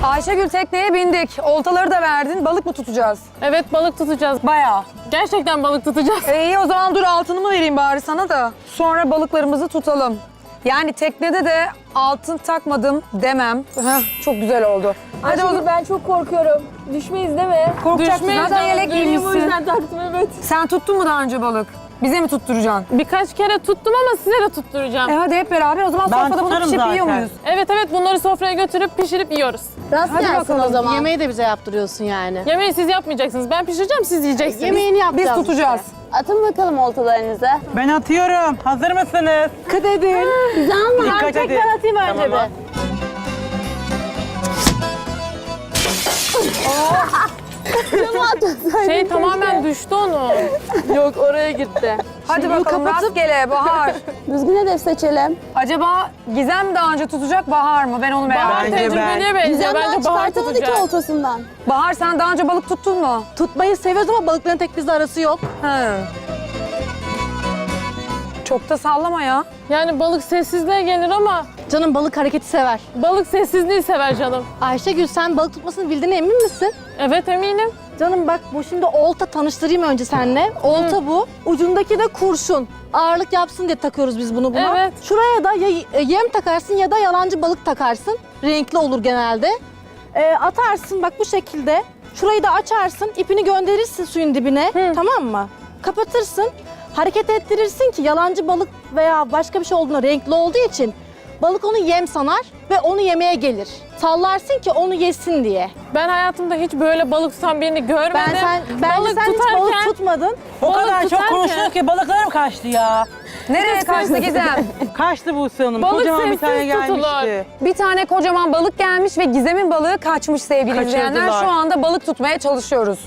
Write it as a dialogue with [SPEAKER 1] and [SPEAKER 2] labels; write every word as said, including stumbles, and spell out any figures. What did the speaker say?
[SPEAKER 1] Ayşegül tekneye bindik. Oltaları da verdin. Balık mı tutacağız?
[SPEAKER 2] Evet, balık tutacağız.
[SPEAKER 1] Bayağı.
[SPEAKER 2] Gerçekten balık tutacağız.
[SPEAKER 1] E iyi o zaman dur altını mı vereyim bari sana da. Sonra balıklarımızı tutalım. Yani teknede de altın takmadım demem. Heh, çok güzel oldu. Hadi
[SPEAKER 3] Ayşegül,
[SPEAKER 1] oğlum.
[SPEAKER 3] ben çok korkuyorum. Düşmeyiz değil mi?
[SPEAKER 1] Korkacaksın.
[SPEAKER 2] Düşmeyiz
[SPEAKER 1] Zaten
[SPEAKER 2] canım,
[SPEAKER 1] yelek
[SPEAKER 2] döneyim,
[SPEAKER 3] O
[SPEAKER 1] giymişsin.
[SPEAKER 3] yüzden taktım, evet.
[SPEAKER 1] Sen tuttun mu daha önce balık? Bize mi tutturacaksın?
[SPEAKER 2] Birkaç kere tuttum ama size de tutturacağım.
[SPEAKER 1] E hadi hep beraber o zaman
[SPEAKER 4] Ben
[SPEAKER 1] sofrada bunu
[SPEAKER 4] tutarım
[SPEAKER 1] pişirip yiyor
[SPEAKER 4] zaten.
[SPEAKER 1] muyuz?
[SPEAKER 2] Evet evet, bunları sofraya götürüp pişirip yiyoruz.
[SPEAKER 3] Rast
[SPEAKER 1] Hadi
[SPEAKER 3] gelsin
[SPEAKER 1] bakalım.
[SPEAKER 3] o zaman.
[SPEAKER 5] Yemeği de bize yaptırıyorsun yani.
[SPEAKER 2] Yemeği siz yapmayacaksınız. Ben pişireceğim, siz yiyeceksiniz.
[SPEAKER 5] Yemeğini
[SPEAKER 1] Biz
[SPEAKER 5] yapacağız.
[SPEAKER 1] tutacağız.
[SPEAKER 3] Atın bakalım oltalarınızı.
[SPEAKER 4] Ben atıyorum. Hazır mısınız?
[SPEAKER 5] Dikkat edin.
[SPEAKER 3] Bizi alma.
[SPEAKER 4] Dikkat
[SPEAKER 3] Ben
[SPEAKER 4] edin.
[SPEAKER 3] tekrar atayım önce
[SPEAKER 4] Tamam.
[SPEAKER 3] bir.
[SPEAKER 2] Şey tamamen düştü onu.
[SPEAKER 3] Yok, oraya gitti.
[SPEAKER 1] Hadi
[SPEAKER 5] Şimdi bunu
[SPEAKER 1] bakalım
[SPEAKER 5] kapatıp-
[SPEAKER 1] rastgele Bahar.
[SPEAKER 3] Düzgün hedef seçelim.
[SPEAKER 1] Acaba Gizem daha önce tutacak Bahar mı? Ben onu merak
[SPEAKER 2] Bahar
[SPEAKER 1] ediyorum.
[SPEAKER 4] Bence ben.
[SPEAKER 2] tecrübeliye benziyor.
[SPEAKER 3] Gizem daha
[SPEAKER 2] Bence Bahar
[SPEAKER 3] çıkartamadı ki
[SPEAKER 2] tutacak.
[SPEAKER 3] oltasından.
[SPEAKER 1] Bahar sen daha önce balık tuttun mu?
[SPEAKER 5] Tutmayı seviyoruz ama balıkların tek bizle arası yok.
[SPEAKER 1] He. Çok da sallama ya.
[SPEAKER 2] Yani balık sessizliğe gelir ama
[SPEAKER 5] Canım balık hareketi sever.
[SPEAKER 2] balık sessizliği sever canım.
[SPEAKER 5] Ayşegül sen balık tutmasını bildiğine emin misin?
[SPEAKER 2] Evet eminim.
[SPEAKER 5] Canım bak bu şimdi olta, tanıştırayım önce seninle. Olta bu. Ucundaki de kurşun. Ağırlık yapsın diye takıyoruz biz bunu buna.
[SPEAKER 2] Evet.
[SPEAKER 5] Şuraya da ya yem takarsın ya da yalancı balık takarsın. Renkli olur genelde. Ee, atarsın bak bu şekilde. Şurayı da açarsın, ipini gönderirsin suyun dibine. Tamam mı? Kapatırsın. Hareket ettirirsin ki yalancı balık veya başka bir şey olduğunda renkli olduğu için balık onu yem sanar ve onu yemeye gelir. Sallarsın ki onu yesin diye.
[SPEAKER 2] Ben hayatımda hiç böyle balık tutan birini görmedim.
[SPEAKER 5] Ben sen bence
[SPEAKER 2] Balık
[SPEAKER 5] sen hiç balık
[SPEAKER 2] tutarken-
[SPEAKER 5] tutmadın.
[SPEAKER 4] O
[SPEAKER 2] Balık
[SPEAKER 4] kadar çok
[SPEAKER 2] tutarken-
[SPEAKER 4] konuşuyor ki balıklarım kaçtı ya.
[SPEAKER 1] Nereye kaçtı Gizem?
[SPEAKER 4] Kaçtı Buse Hanım.
[SPEAKER 2] Balık
[SPEAKER 4] Kocaman bir
[SPEAKER 2] sessiz
[SPEAKER 4] tane gelmişti.
[SPEAKER 2] tutulur.
[SPEAKER 1] Bir tane kocaman balık gelmiş ve Gizem'in balığı kaçmış sevgili izleyenler.
[SPEAKER 4] Kaçırdılar.
[SPEAKER 1] Şu anda balık tutmaya çalışıyoruz.